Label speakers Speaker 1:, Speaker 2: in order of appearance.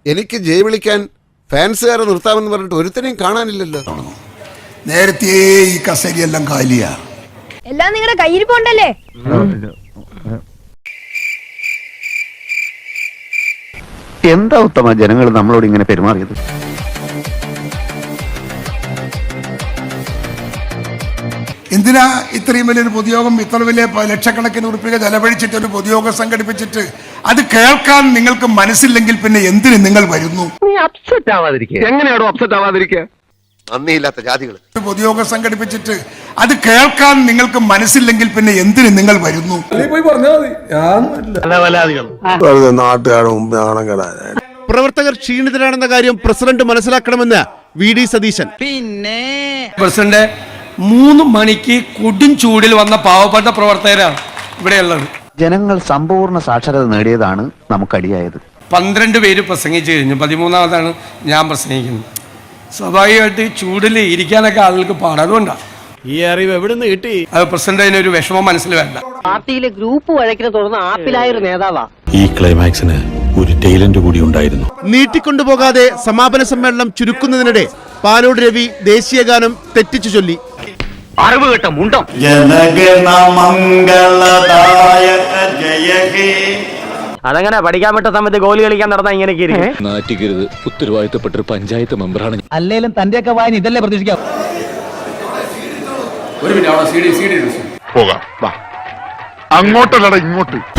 Speaker 1: എനിക്ക് ജയ് വിളിക്കാൻ ഫാൻസുകാരെ നിർത്താമെന്ന് പറഞ്ഞിട്ട് ഒരുത്തനെയും കാണാനില്ലല്ലോ.
Speaker 2: നേരത്തെ ഈ കസേരയെല്ലാം കാലിയാ.
Speaker 3: എല്ലാം നിങ്ങളുടെ കയ്യിൽ പോണ്ടല്ലേ?
Speaker 4: എന്താ ഉത്തമ ജനങ്ങൾ നമ്മളോട് ഇങ്ങനെ പെരുമാറിയത്?
Speaker 2: എന്തിനാ ഇത്രയും വലിയൊരു പൊതുയോഗം, ഇത്ര വലിയ ലക്ഷക്കണക്കിന് ഉറുപ്പിക ചെലവഴിച്ചിട്ട് ഒരു പൊതുയോഗം സംഘടിപ്പിച്ചിട്ട് അത് കേൾക്കാൻ നിങ്ങൾക്ക് മനസ്സില്ലെങ്കിൽ പിന്നെ എന്തിന് നിങ്ങൾ വരുന്നു?
Speaker 4: നീ അപ്സെറ്റ് ആവാതിരിക്കുക. എങ്ങനെയാണോ അപ്സെറ്റ് ആവാതിരിക്കുക?
Speaker 1: നന്ദിയില്ലാത്ത ജാതികൾ.
Speaker 2: പൊതുയോഗം സംഘടിപ്പിച്ചിട്ട് അത് കേൾക്കാൻ നിങ്ങൾക്ക് മനസ്സില്ലെങ്കിൽ പിന്നെ എന്തിന് നിങ്ങൾ വരുന്നു?
Speaker 1: പ്രവർത്തകർ ക്ഷീണിതരാണെന്ന കാര്യം പ്രസിഡന്റ് മനസ്സിലാക്കണമെന്ന് വി.ഡി. സതീശൻ.
Speaker 5: പിന്നെ പ്രസിഡന്റ് 3 മണിക്ക് കൊടും ചൂടിൽ വന്ന പാവപ്പെട്ട പ്രവർത്തകരാണ് ഇവിടെയുള്ളത്.
Speaker 4: ജനങ്ങൾ സമ്പൂർണ്ണ സാക്ഷരത നേടിയതാണ് നമുക്കടിയായത്.
Speaker 5: 12 പേര് പ്രസംഗിച്ചു കഴിഞ്ഞു, 13ാമതാണ് ഞാൻ പ്രസംഗിക്കുന്നത്. സ്വാഭാവികമായിട്ട് ചൂടിൽ ഇരിക്കാനൊക്കെ ആളുകൾക്ക് പാടാതുകൊണ്ടാണ്.
Speaker 6: ഈ അറിവ് എവിടെ നിന്ന് കിട്ടി?
Speaker 5: അത് പ്രസിഡന്റ് അതിനൊരു വിഷമം മനസ്സിൽ വേണ്ട.
Speaker 7: പാർട്ടിയിലെ ഗ്രൂപ്പ് വഴക്കിനെ തുടർന്ന് ആപ്പിലായ ഒരു നേതാവാ.
Speaker 6: ഈ ക്ലൈമാക്സിന് ഒരു ടൈലന്റ് കൂടി ഉണ്ടായിരുന്നു.
Speaker 1: നീട്ടിക്കൊണ്ടുപോകാതെ സമാപന സമ്മേളനം ചുരുക്കുന്നതിനിടെ പാലോട് രവി ദേശീയഗാനം തെറ്റിച്ചു ചൊല്ലി.
Speaker 4: അറിവ് കേട്ട മുണ്ടം.
Speaker 7: അതങ്ങനെ പഠിക്കാൻ പറ്റ സമയത്ത് ഗോലി കളിക്കാൻ നടന്ന ഇങ്ങനെയൊക്കെ ഇരിക്കും.
Speaker 6: നാറ്റിക്കരുത്. ഉത്തരവാദിത്തപ്പെട്ട പഞ്ചായത്ത് മെമ്പറാണ്.
Speaker 7: അല്ലേലും തന്റെയൊക്കെ വായന ഇതല്ലേ പ്രതീക്ഷിക്കാം.
Speaker 6: പോകാം, അങ്ങോട്ടല്ലട ഇങ്ങോട്ട്.